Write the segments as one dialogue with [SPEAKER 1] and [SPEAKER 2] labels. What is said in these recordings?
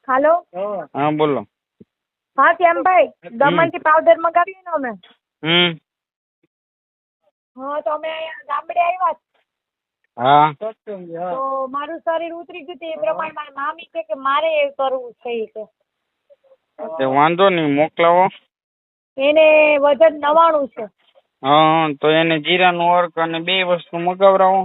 [SPEAKER 1] હાલો.
[SPEAKER 2] હા બોલો.
[SPEAKER 1] હા શ્યામભાઈ, દમણથી પાવડર મંગાવીએ ને અમે. હા તો અમે અહીંયા ગામડે આવ્યા
[SPEAKER 2] હા
[SPEAKER 1] તો મારું શરીર ઉતરી ગયું એ પ્રમાણે મારી મામી છે કે મારે એ કરવું છે ઈ કે.
[SPEAKER 2] તે વાંધો નહીં, મોકલાવો.
[SPEAKER 1] એને વજન 99 છે.
[SPEAKER 2] હા તો એને જીરાનું અર્ક અને 2 વસ્તુ મગાવરાવો.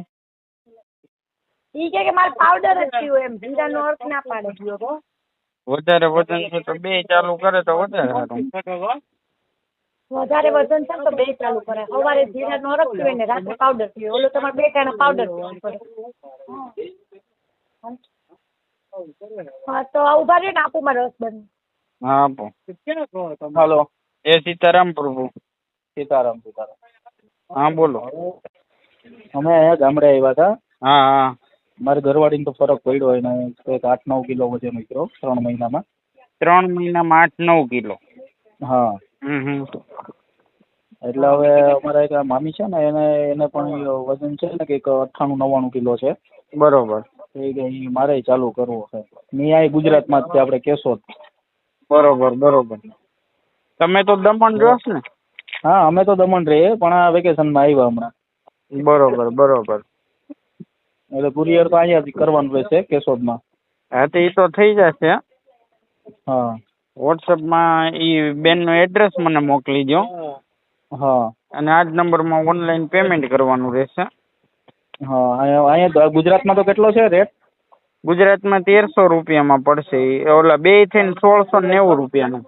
[SPEAKER 1] ઈ કે મારે પાવડર જ પીવું એમ, જીરાનો અર્ક ના પાડે.
[SPEAKER 2] વધારે વજન છે તો 2 ચાલુ કરે તો વધારે સારું.
[SPEAKER 1] વધારે વજન છે ને તો 2 ચાલુ કરે. સવારે જીરાનો અર્ક પીવે ને રાત્રે પાવડર પીવે. ઓલો તમારે 2 ટાણા પાવડર પીવું પડે. હા તો ઉભા રહ્યો ને, આપું મારો હસબન્ડ.
[SPEAKER 2] હા આપો. હાલો. એ સીતારામ પ્રભુ.
[SPEAKER 3] સીતારામ.
[SPEAKER 2] હા બોલો.
[SPEAKER 3] અમે અહીંયા ગામડે આવ્યા હતા.
[SPEAKER 2] હા હા.
[SPEAKER 3] મારી ઘરવાળીને તો ફરક પડ્યો એને કંઈક 8-9 કિલો વજન ઉતર્યો 3 મહિનામાં.
[SPEAKER 2] 3 મહિનામાં 8-9 કિલો.
[SPEAKER 3] હા. એટલે હવે અમારા એક મામી છે ને એને પણ વજન છે ને કંઈક 98-99 કિલો છે.
[SPEAKER 2] બરોબર.
[SPEAKER 3] એ કે મારે ચાલુ કરવો છે. મેં આ ગુજરાતમાં જ છે, આપણે કેશોદ.
[SPEAKER 2] બરોબર બરોબર. તમે તો દમણ રહો છો ને?
[SPEAKER 3] હા અમે તો દમણ રહીએ પણ આ વેકેશનમાં આવ્યા હમણાં.
[SPEAKER 2] બરોબર બરોબર.
[SPEAKER 3] એટલે કુરિયર તો અહીંયાથી કરવાનું રહેશે કેશોદમાં.
[SPEAKER 2] હા તો એ તો થઈ જશે.
[SPEAKER 3] હા.
[SPEAKER 2] વોટ્સઅપમાં એ બેનનું એડ્રેસ મને મોકલી દો.
[SPEAKER 3] હા.
[SPEAKER 2] અને આ જ નંબરમાં ઓનલાઈન પેમેન્ટ કરવાનું રહેશે.
[SPEAKER 3] હા અહીંયા ગુજરાતમાં તો કેટલો છે રેટ?
[SPEAKER 2] ગુજરાતમાં 1300 રૂપિયામાં પડશે. ઓલા 2 થઈને 1690 રૂપિયાનું.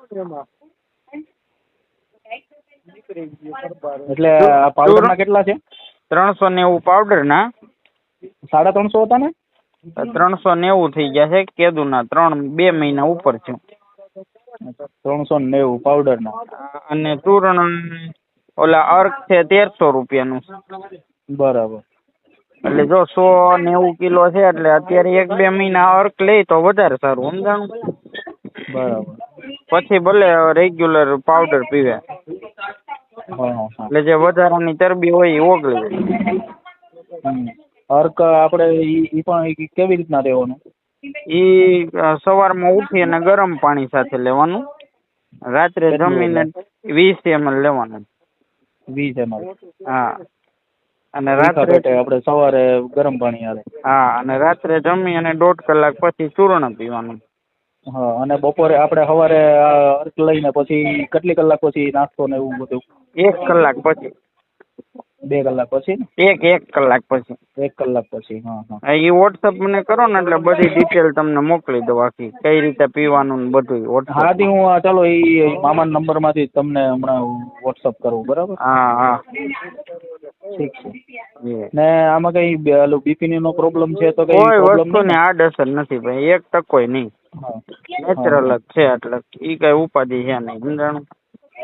[SPEAKER 3] એટલે આ પાવડરના કેટલા છે?
[SPEAKER 2] 390 પાવડરના.
[SPEAKER 3] 350 હતા ને?
[SPEAKER 2] 390 થઈ ગયા છે કેદુના. 2 મહિના ઉપર છે.
[SPEAKER 3] 390 પાવડરના.
[SPEAKER 2] અને ચૂર્ણ ઓલા અર્ક છે 1300 રૂપિયાનું.
[SPEAKER 3] બરાબર.
[SPEAKER 2] એટલે જો 190 કિલો છે એટલે અત્યારે 1-2 મહિના અર્ક લે તો વધારે સારું, સમજાણું?
[SPEAKER 3] બરાબર.
[SPEAKER 2] પછી ભલે રેગ્યુલર પાવડર પીવે. એટલે જે વધારાની ચરબી હોય એ ઓગળી જાય.
[SPEAKER 3] અર્ક આપણે ઈ પણ કેવી રીતના લેવાનું?
[SPEAKER 2] ઈ સવારમાં ઉઠી અને ગરમ પાણી સાથે લેવાનું. રાત્રે જમીને 20 ml લેવાનું.
[SPEAKER 3] 20 ml.
[SPEAKER 2] હા. અને રાત્રે
[SPEAKER 3] આપણે સવારે ગરમ પાણી આવે.
[SPEAKER 2] હા અને રાત્રે જમી અને 1.5 કલાક પછી ચૂર્ણ પીવાનું.
[SPEAKER 3] હા અને બપોરે આપણે સવારે અર્ક લઈને પછી કેટલી કલાક પછી નાસ્તો ને એવું બધું?
[SPEAKER 2] 1 કલાક પછી.
[SPEAKER 3] 2 કલાક પછી ને?
[SPEAKER 2] 1 કલાક પછી.
[SPEAKER 3] 1 કલાક પછી. હા હા.
[SPEAKER 2] એ વોટ્સઅપ મને કરો ને એટલે બધી ડિટેલ તમને મોકલી દઉં આખી. કઈ રીતે પીવાનું ને બધું વોટ્સઅપ.
[SPEAKER 3] હા હું ચાલો એ મામાના નંબરમાંથી તમને હમણાં વોટ્સઅપ કરું, બરાબર?
[SPEAKER 2] હા હા.
[SPEAKER 3] ઠીક છે. ને આમાં કઈ બીપીની નો પ્રોબ્લેમ છે તો કઈ
[SPEAKER 2] કોઈ
[SPEAKER 3] પ્રોબ્લેમ
[SPEAKER 2] વસ્તુની આડઅસર નથી ભાઈ, 1% નહીં. નેચરલ જ છે એટલે ઈ કઈ ઉપાધિ છે નહીં, સમજાણું?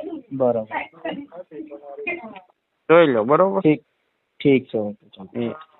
[SPEAKER 3] બરાબર.
[SPEAKER 2] જોઈ લો. બરોબર.
[SPEAKER 3] ઠીક છે. ઓકે.